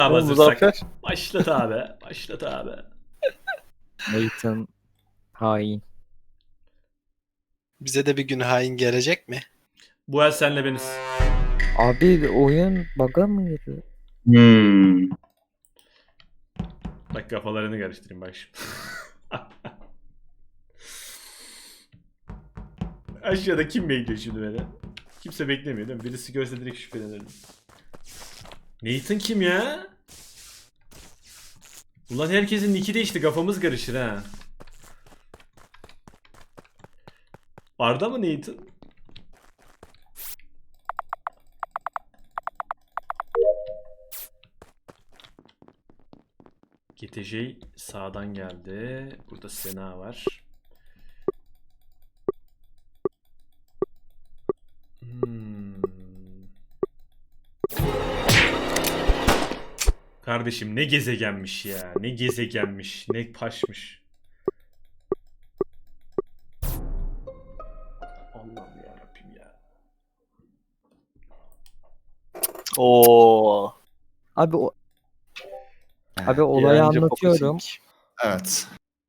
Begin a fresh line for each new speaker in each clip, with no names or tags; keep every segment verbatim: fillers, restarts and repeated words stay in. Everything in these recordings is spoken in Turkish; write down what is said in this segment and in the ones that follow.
Abi
Oğlum,
hazırsak.
Muzaffer.
Başlat abi. Başlat abi.
Nathan hain.
Bize de bir gün hain gelecek mi?
Bu el senle beniz.
Abi oyun bug'a mı girdi?
Hmm.
Bak kafalarını karıştırayım bak şimdi. Aşağıda kim bekliyor şimdi beni? Kimse beklemiyor değil mi? Birisi görse direkt şüphelenirim. Nathan kim ya? Ulan herkesin nicki değişti, kafamız karışır ha. Arda mı Nathan? G T J sağdan geldi. Burada Sena var. Hmm. Kardeşim ne gezegenmiş ya. Ne gezegenmiş. Ne paşmış. Allah'ım yarabbim ya.
Oo.
Abi o Abi olayı
Yalancı
anlatıyorum.
Focusing.
Evet.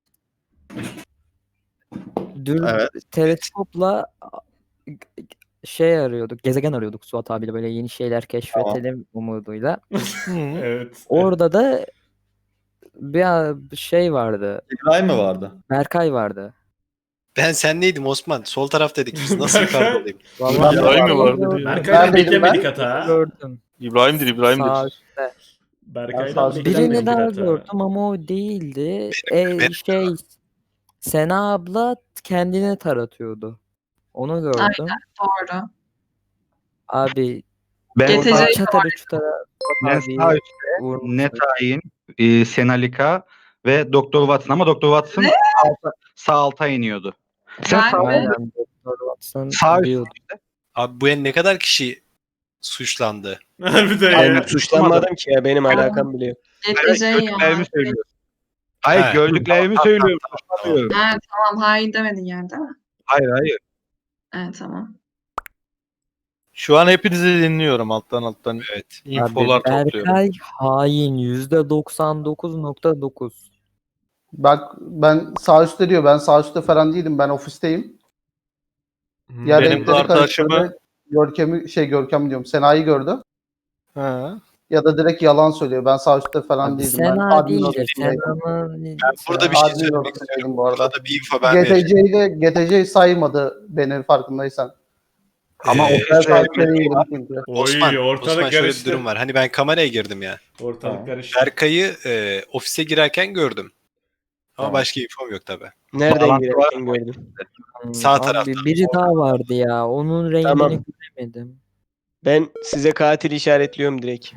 Dün
Evet.
teleskopla şey arıyorduk, gezegen arıyorduk Suat abiyle böyle yeni şeyler keşfedelim umuduyla.
Hı.
Evet.
Orada da bir şey vardı.
İbrahim mi vardı?
Berkay vardı.
Ben sen neydim Osman? Sol taraftaydık biz. Nasıl yukarıda olayım?
Vallahi
İbrahim mi
ben
vardı
gördüm.
diyor.
Berkay'dan
Neredeydim
beklemedik
ben?
hata.
Gördüm.
İbrahim'dir
Sağ
İbrahim'dir.
üstte.
Berkay'dan
Birini
beklemedik
Birini daha
hata.
gördüm ama o değildi. E,
benim.
şey Sena abla kendini taratıyordu. Onu gördüm.
Doğru.
Abi
Ben
G T J
orada
çatara çutara
net,
abi
sağ üstte,
vurmuş.
net hain, e, Senalika ve Doktor Watson ama Doktor Watson
Ne?
sağ alta, sağ alta iniyordu. Sen
Ben
sağ,
de-
Aynen Doktor Watson
sağ
diyordu.
Abi bu el ne kadar kişi suçlandı?
Harbiden
Ben
ya.
suçlanmadım ki ya benim alakam bile yok.
G T
Hayır,
J ya.
gördüklerimi söylüyorum. Hayır,
He.
gördüklerimi söylüyorum. Suçlamıyorum.
Ha, tamam hain demedin yani değil mi?
Hayır, hayır.
Evet tamam.
Şu an hepinizi dinliyorum alttan alttan.
Evet.
Infolar
Abi
topluyorum.
Berkay hain yüzde doksan dokuz nokta dokuz.
Bak ben sağ üstte diyor. Ben sağ üstte falan değilim. Ben ofisteyim.
Hmm.
Ya
Benim
renkleri
arkadaşımı-
karıştırdı. Görkem'i şey Görkem diyorum. Sena'yı gördü.
Ha.
Ya da direkt yalan söylüyor. Ben sağ üstte falan
Abi
değildim. ben
Sena
admin
değildir.
odasındaydım.
Sena'nın
Ben burada bir şey
Admin
söylemek
odasındaydım
istiyorum.
bu arada.
Burada bir info ben vereceğim.
G T C'de G T C saymadı beni farkındaysan.
Ama
Ee,
o
Ben
kadar
sağ üstte değilim çünkü.
Oy,
Osman,
ortalık
Osman şöyle bir
karıştı.
durum var. Hani ben kameraya girdim ya.
Ortalık karıştı.
Berkay'ı e, ofise girerken gördüm. Ama
Tamam.
başka infom yok tabi.
Nereden
Bağlantı
girerken gördüm.
Sağ
Abi
tarafta.
biri daha vardı ya. Onun rengini
Tamam.
göremedim.
Ben size katil işaretliyorum direkt.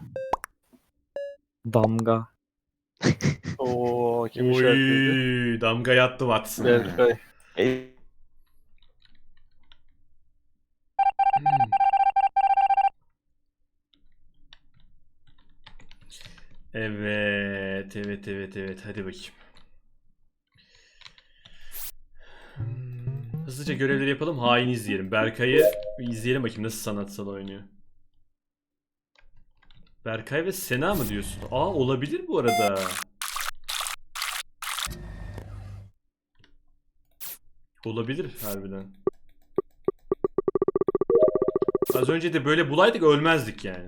Damga.
Oo kim işaretledi?
Oy, damga yattı Watson.
Berkay.
E,
Evet, evet, evet, evet. Hadi bakayım. Hmm, Hızlıca görevleri yapalım. Hain izleyelim. Berkay'ı bir izleyelim bakayım nasıl sanatsal oynuyor. Berkay ve Sena mı diyorsun? Aa, olabilir bu arada. Olabilir harbiden. Az önce de böyle bulaydık ölmezdik yani.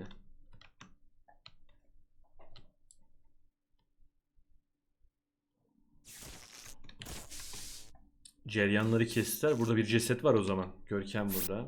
Ceryanları kestiler. Burada bir ceset var o zaman. Görkem burada.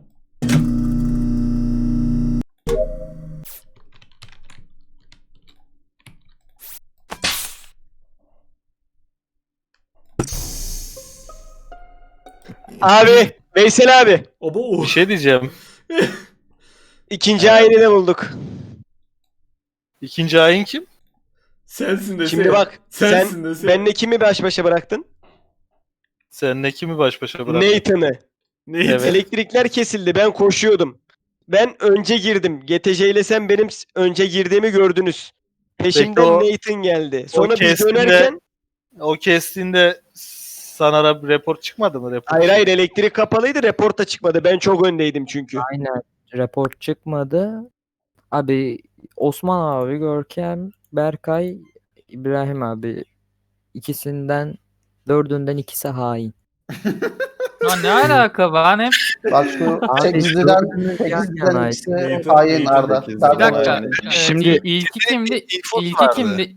Abi Veysel abi.
Obo.
Bir şey diyeceğim.
İkinci ayini de bulduk.
İkinci hain kim?
Sensin de
Şimdi bak
Sensin
sen
de sen.
benle kimi baş başa bıraktın?
Seninle kimi baş başa bıraktın?
Nathan'ı.
Neydi?
Evet.
Elektrikler kesildi. Ben koşuyordum. Ben önce girdim. G T C ile sen benim s- önce girdiğimi gördünüz. Peşimden
Peki o-
Nathan geldi. Sonra biz
kestiğinde-
dönerken
O kestiğinde sana ra- rapor çıkmadı mı? Rapor
hayır hayır elektrik kapalıydı. Reporta çıkmadı. Ben çok öndeydim çünkü.
Aynen. Rapor çıkmadı. Abi Osman abi Görkem Berkay, İbrahim abi. İkisinden dördünden ikisi hain.
Ya ne alaka ben hep
Bak şu
Abi,
sekizliden
dördümüz yan
sekizden
yanaydı.
ikisi
Nathan-
hain
Nathan
Arda.
sekiz.
Zaten
bir dakika.
yani.
e,
Şimdi-
il- ilki kimdi?
infosu
İlki
vardı.
kimdi?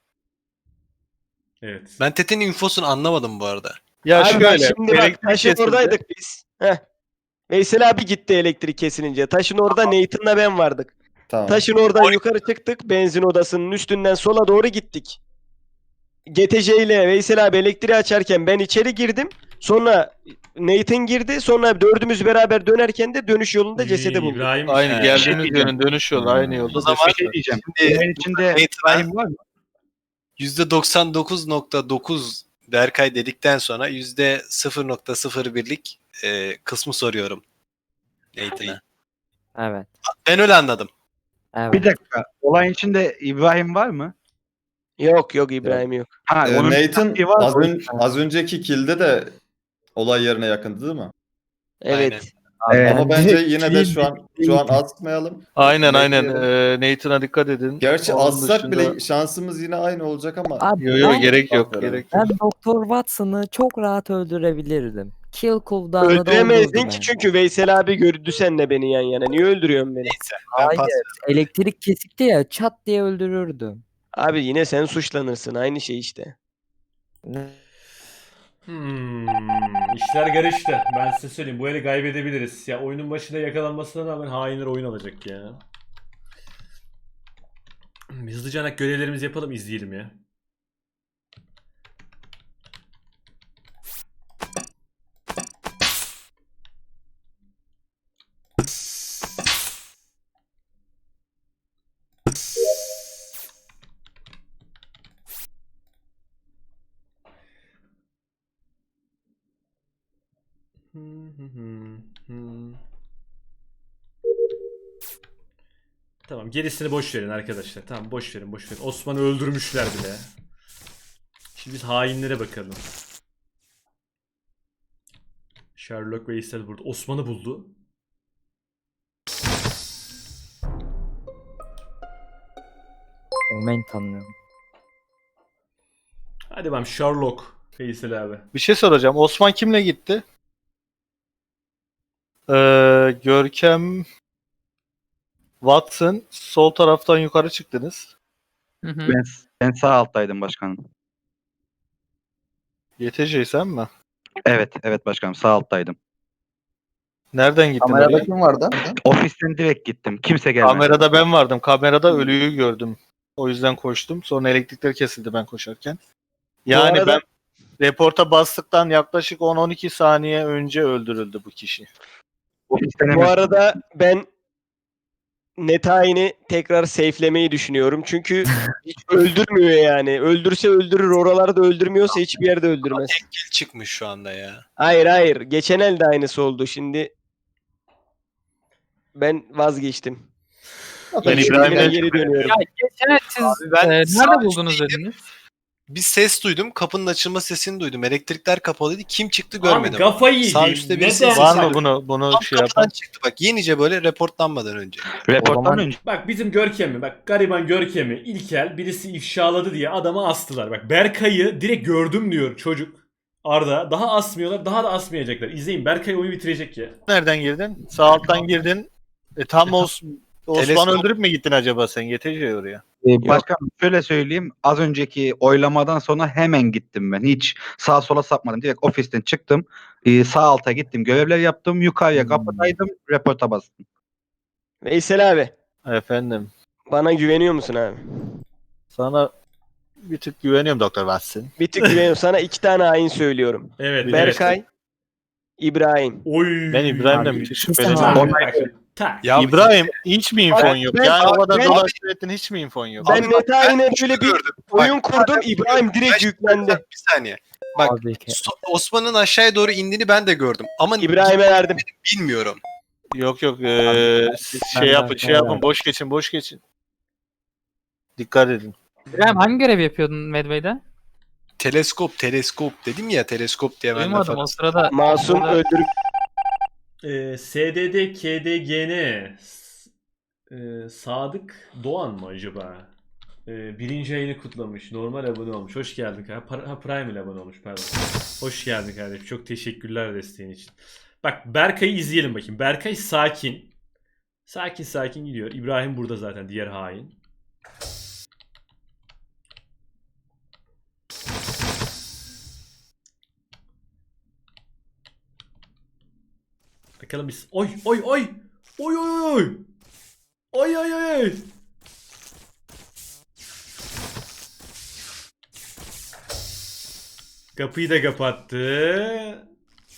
Evet.
Ben Tete'nin infosunu anlamadım bu arada.
Ya
Abi bak
şöyle.
şimdi bak
elektrik
taşın
kesildi.
oradaydık biz. Heh. Veysel abi gitti elektrik kesilince. Taşın orada Nathan'la ben vardık.
Tamam.
Taşın oradan yukarı çıktık. Benzin odasının üstünden sola doğru gittik. G T C ile Veysel abi elektriği açarken ben içeri girdim. Sonra Nathan girdi. Sonra dördümüz beraber dönerken de dönüş yolunda cesedi bulduk.
İbrahim
Aynı
He.
geldiğimiz yönün dönüş yolu aynı yolda.
O zaman
Bir şey diyeceğim.
Şimdi
Bunun içinde
Nathan'a
İbrahim var mı?
yüzde doksan dokuz nokta dokuz Berkay dedikten sonra yüzde sıfır nokta sıfır birlik e, kısmı soruyorum Nathan'a.
Evet.
Ben öyle anladım.
Evet.
Bir dakika. Olayın içinde İbrahim var mı?
Yok yok İbrahim yok.
Ha,
Ee,
onun bir
Nathan
taktiği var.
az, ön- az önceki kilde de olay yerine yakındı değil mi?
Evet.
Evet.
Ama bence yine de şu an şu an asmayalım.
Aynen aynen.
Bekleyelim.
Ee, Nathan'a dikkat edin.
Gerçi
Onun
assak
dışında-
bile şansımız yine aynı olacak ama
Abi
Yo yo
ben,
gerek yok.
Aferin.
Gerek yok.
ben Doktor Watson'ı çok rahat öldürebilirdim. Kill cooldown'ı da
Öldüremezdin
olurdu
ki
bence.
çünkü Veysel abi gördü senle beni yan yana. Niye öldürüyorsun beni?
Neyse. Ben
Hayır.
pas.
Elektrik kesikti ya, çat diye öldürürdüm.
Abi yine sen suçlanırsın. Aynı şey işte.
Hmm, işler karıştı. Ben size söyleyeyim. Bu eli kaybedebiliriz. Ya oyunun başında yakalanmasına rağmen hainler oyun alacak ya. Hızlıca görevlerimizi yapalım, izleyelim ya. Tamam, gerisini boş verin arkadaşlar. Tamam, boş verin, boş verin. Osman'ı öldürmüşler bile. Şimdi biz hainlere bakalım. Sherlock Veysel burada. Osman'ı buldu.
Omen tanıyorum.
Hadi bakalım Sherlock Veysel abi.
Bir şey soracağım. Osman kimle gitti? Ee, Görkem, Watson, sol taraftan yukarı çıktınız.
Hı hı.
Ben, ben sağ alttaydım başkanım.
Y T C sen mi?
Evet, evet başkanım sağ alttaydım.
Nereden gittin
Kamerada
oraya?
kim vardı?
Ofisten direkt gittim. Kimse gelmedi.
Kamerada ben vardım. Kamerada ölüyü gördüm. O yüzden koştum. Sonra elektrikler kesildi ben koşarken. Yani
arada-
ben reporta bastıktan yaklaşık on on iki saniye önce öldürüldü bu kişi.
Ofisten
Bu
hemen-
arada ben Netayin'i tekrar safe'lemeyi düşünüyorum. Çünkü hiç öldürmüyor yani. Öldürse öldürür. Oralarda öldürmüyorsa hiçbir yerde öldürmez.
Tek kill çıkmış şu anda ya.
Hayır hayır. Geçen el de aynısı oldu. Şimdi ben vazgeçtim.
Ben
Şimdi
İbrahim'den
geri dönüyorum.
Ya geçen el siz
ben
e,
sağ
nerede buldunuz dediniz?
Bir ses duydum. Kapının açılma sesini duydum. Elektrikler kapalıydı. Kim çıktı
Lan
görmedim.
kafayı
Sağ
yediğim.
üstte
Neden?
bir ses
Var mı
aldım.
bunu bunu
Tam
şey
kapıdan
yapan?
çıktı bak. Yenice böyle reportlanmadan önce.
Reporttan
O zaman-
önce.
Bak bizim Görkem'i, bak gariban Görkem'i İlkel birisi ifşaladı diye adamı astılar. Bak Berkay'ı direkt gördüm diyor çocuk. Arda. Daha asmıyorlar, daha da asmayacaklar. İzleyin, Berkay oyunu bitirecek ya.
Nereden girdin? Sağ alttan girdin. E, tam Os Osman
Teleskop-
öldürüp mü gittin acaba sen? Y T C oraya.
Ee, Başkanım şöyle söyleyeyim. Az önceki oylamadan sonra hemen gittim ben. Hiç sağa sola sapmadım. Direkt ofisten çıktım. Ee, sağ alta gittim. Görevler yaptım. Yukarıya
Hmm.
kapıdaydım. Reporta bastım.
Veysel abi.
Efendim.
Bana güveniyor musun abi?
Sana bir tık güveniyorum Doktor Watson.
Bir tık güveniyorum. Sana iki tane hain söylüyorum.
Evet. evet.
Berkay, İbrahim.
Oy.
Ben İbrahim'den
Abi,
bir tık
ikisi
şüpheleniyorum.
Tak, tak, tak.
Ya
İbrahim hiç mi infon
Ben-
yok?
ben-
Yani o kadar
ben-
dolaştır ettin hiç mi infon yok?
Ben
Abi bak,
Netayin'e
şunu
böyle bir
gördüm.
oyun
Bak,
kurdum. İbrahim direkt
Ben-
yüklendi.
Bir saniye. Bak,
Abi ki-
So- Osman'ın aşağıya doğru indiğini ben de gördüm. Ama
İbrahim'e verdim.
bilmiyorum.
Yok yok eee, siz
ben
şey yapın
de-
şey yapın boş geçin boş geçin. Dikkat edin.
İbrahim hangi görev yapıyordun Medway'de?
Teleskop, teleskop dedim ya teleskop diye ben laf
Duymadım o
attım.
sırada.
Masum
Orada-
öldürüp
Ee, S D D K D G N S- ee, Sadık Doğan mı acaba? Ee, birinci ayını kutlamış. Normal abone olmuş. Hoş geldin kardeşim. Pa- ha, Prime ile abone olmuş pardon. Hoş geldin kardeşim. Çok teşekkürler desteğin için. Bak Berkay'ı izleyelim bakayım. Berkay sakin. Sakin sakin gidiyor. İbrahim burada zaten diğer hain. Bakalım biz. Oy oy oy. Oy oy oy. Oy oy oy oy. Kapıyı da kapattı.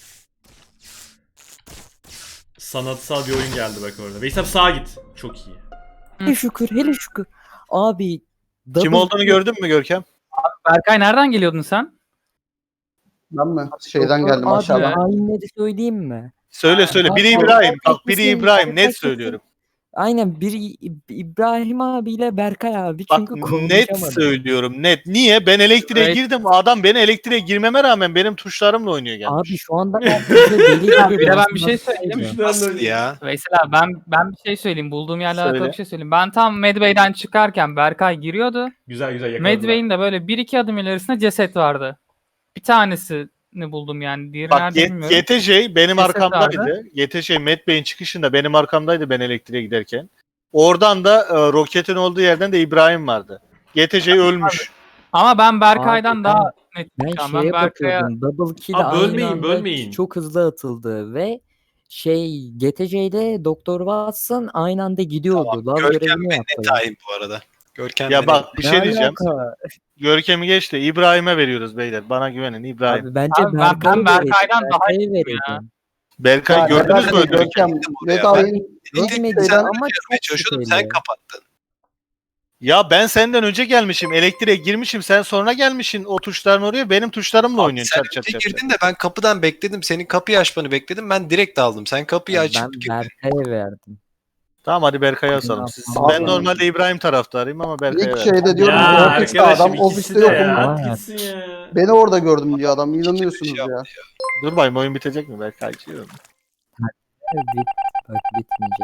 Sanatsal bir oyun geldi bak orada. Veysel sağa git. Çok iyi.
Hele şükür, hele şükür. Abi
Kim
double
olduğunu
kill-
gördün mü Görkem?
Berkay nereden geliyordun sen?
Ben mi? Şeyden
Doktor
geldim
abi,
aşağıdan.
hainleri söyleyeyim mi?
Söyle söyle. Biri
Abi,
İbrahim. Bak
herkesin-
biri İbrahim. Net
herkesin-
söylüyorum.
Aynen biri İ- İbrahim abiyle Berkay abi
Bak
çünkü
net
konuşamadı.
söylüyorum. Net. Niye? Ben elektriğe
Evet.
girdim. Adam beni elektriğe girmeme rağmen benim tuşlarımla oynuyor gelmiş.
Abi şu anda herkese deli gibi
Abi, bir de ben bir şey
basmak
söyleyeyim.
istiyor.
Nasıl ya?
Veysel abi ben ben bir şey söyleyeyim. Bulduğum yerle alakalı
Söyle.
bir şey söyleyeyim. Ben tam Medway'den çıkarken Berkay giriyordu.
Güzel güzel yakaladılar.
Medway'in de böyle bir iki adım ilerisinde ceset vardı. Bir tanesini buldum yani. Diğeri
Bak
nerede
Ye-
bilmiyorum.
Y T J benim
Ceset
arkamdaydı. Y T J Matt Bey'in çıkışında benim arkamdaydı ben elektriğe giderken. Oradan da e, roketin olduğu yerden de İbrahim vardı. Y T J ölmüş.
Ama ben Berkay'dan
Abi,
daha net
Ben
şu an.
şeye
Ben Berkay'a
bakıyordum. Double kill
Abi
aynı
bölmeyin,
anda
bölmeyin.
çok hızlı atıldı ve şey G T C'de Doktor Watson aynı anda gidiyordu. Lav
Görkem
görevini
ve
yaptı.
net hain bu arada. Görkem
Ya
ve
bak bir
Ne
şey diyeceğim.
alaka?
Görkem'i geç de İbrahim'e veriyoruz beyler. Bana güvenin İbrahim.
Abi bence
Abi ben- ben
Berkay'ı
Berkay'dan
verecektim,
daha
Berkay'ı
iyiyim ya.
verecektim.
Berkay
Ya,
gördünüz mü?
Berkay
Görkem?
Görkem.
buraya.
Net hain.
Bilmedi
Sen
ama çok
çalışıyordum,
şüpheli.
sen kapattın.
Ya ben senden önce gelmişim. Elektriğe girmişim. Sen sonra gelmişsin o tuşların oraya. Benim tuşlarımla
Abi
oynuyorsun.
sen
Çat çat
önce
çat. çat.
girdin de ben kapıdan bekledim. Senin kapıyı açmanı bekledim. Ben direkt aldım. Sen kapıyı açıp
Ben
girdin.
Berkay'a verdim.
Tamam hadi Berkay'a asalım. Siz,
Abi-
ben normalde İbrahim taraftarıyım ama Berkay'a
İlk
verdim.
şeyde diyorum
Ya
ofiste
arkadaşım
adam
ikisi
ofiste
de
yokum.
ya.
Aa.
At gitsin ya.
Beni orada gördüm diyor adam.
Hiç
İnanıyorsunuz
şey
ya.
Dur bayım oyun bitecek mi Berkay? Açıyorum.
Bit, bak bitmeyecek.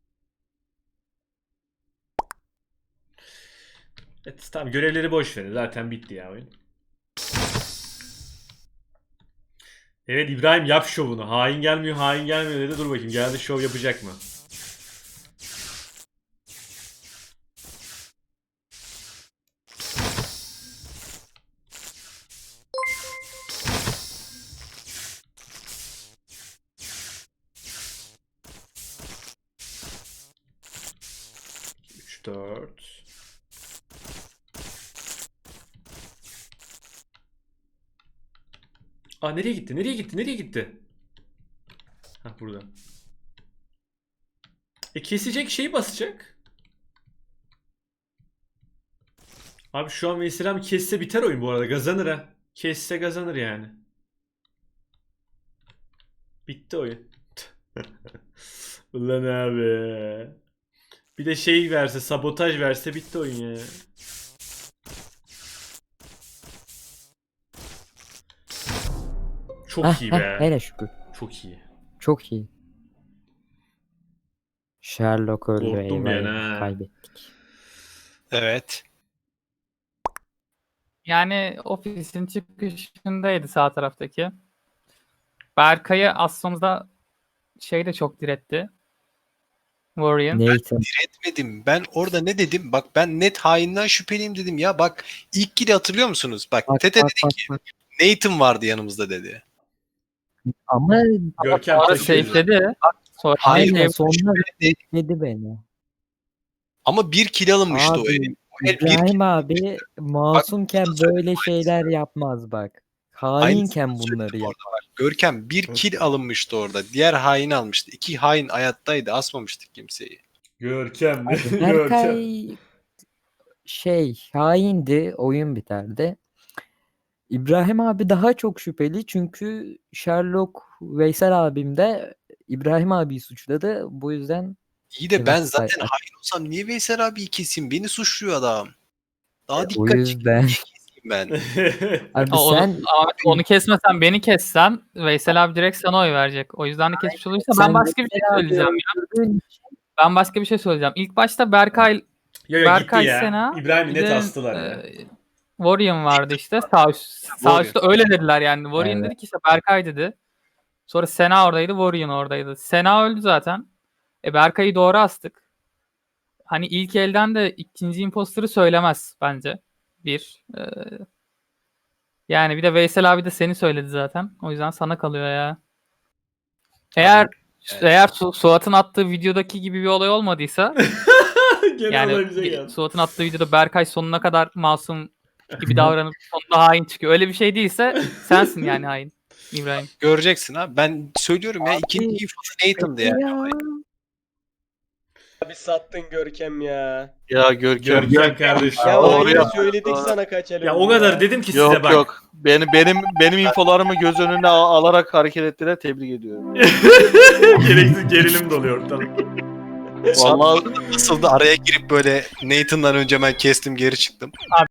Evet, tamam görevleri boş verin. Zaten bitti ya oyun. Evet İbrahim yap şovunu. Hain gelmiyor, hain gelmiyor dedi. Dur bakayım geldi şov yapacak mı? üç dört Aa nereye gitti? Nereye gitti? Nereye gitti? Ha burada. E kesecek şeyi basacak. Abi şu an Veysel abi kesse biter oyun bu arada. Kazanır ha. Kesse kazanır yani. Bitti oyun. Ulan abi. Bir de şey verse, sabotaj verse bitti oyun ya. Çok
Heh,
iyi
heh,
be.
hele şükür.
Çok iyi.
Çok iyi. Sherlock öldü.
Korktum
eyvah,
yani ha.
kaybettik.
Evet.
Yani ofisin çıkışındaydı sağ taraftaki. Berkay'ı asmamızda şey de çok diretti. Warrior'ın.
Nathan.
Etmedim. Ben orada ne dedim? Bak ben net hainden şüpheliyim dedim ya. Bak ilk gidi hatırlıyor musunuz? Bak,
Bak,
Tete
bak,
dedi
bak,
ki
bak.
Nathan vardı yanımızda dedi.
Ama
Görkem
Sonra
taşıyor.
safe'ledi. Sonra
Hayır,
aynen
safe'ledi.
sonra
Dedi.
dedi beni.
Ama bir kill alınmıştı o
Abi,
el. O el bir kill.
İbrahim abi masumken
Bak,
böyle şeyler yapmaz bak. Hainken
Aynısını
bunları
söyledim
yap.
orada bak. Görkem bir kill alınmıştı orada. Diğer hain almıştı. İki hain hayattaydı. Asmamıştık kimseyi.
Görkem. Görkem.
Berkay şey haindi, oyun biterdi. İbrahim abi daha çok şüpheli çünkü Sherlock Veysel abim de İbrahim abiyi suçladı. Bu yüzden
İyi de
Evet,
ben zaten
say-
hain olsam niye Veysel abiyi keseyim? Beni suçluyor adam. Daha
o
dikkat
yüzden
keseyim ben.
abi
Aa, onu,
sen
Ahmet, onu kesmesen beni kessen Veysel abi direkt sana oy verecek. O yüzden de kesmiş olursa
sen
ben başka bir şey
Veysel abi
söyleyeceğim ya.
öldürdüğün için
Ben başka bir şey söyleyeceğim. İlk başta Berkay
Yo yo
Berkay
gitti ya.
Sena,
İbrahim'i
bir
net
de,
astılar ya.
e, Warrior vardı işte. Sağ, üst, sağ
Warrior.
üstte öyle dediler yani. Warrior
Evet.
dedi ki işte Berkay dedi. Sonra Sena oradaydı, Warrior oradaydı. Sena öldü zaten. E Berkay'ı doğru astık. Hani ilk elden de ikinci imposter'ı söylemez bence. Bir. E, yani bir de Veysel abi de seni söyledi zaten. O yüzden sana kalıyor ya. Eğer
Evet.
eğer Su- Suat'ın attığı videodaki gibi bir olay olmadıysa
Gene
yani
olay bize
ge-
geldi.
Suat'ın attığı videoda Berkay sonuna kadar masum gibi davranıp sonunda hain çıkıyor. Öyle bir şey değilse sensin yani hain İbrahim.
Göreceksin abi. Ben söylüyorum ya ikinci infosu Nathan'dı yani.
Abi sattın Görkem ya.
Ya Görkem.
Görkem kardeşim.
Ya
Doğru
aynı
yaptın.
söyledik sana kaç el
Ya
önce
o kadar dedim ki size
Yok
bak.
yok. Benim benim benim infolarımı göz önüne al- alarak hareket ettiler. Tebrik ediyorum.
Gereksiz gerilim doluyor ortalık.
Vallahi
Nasıl da araya girip böyle Nathan'dan önce ben kestim geri çıktım.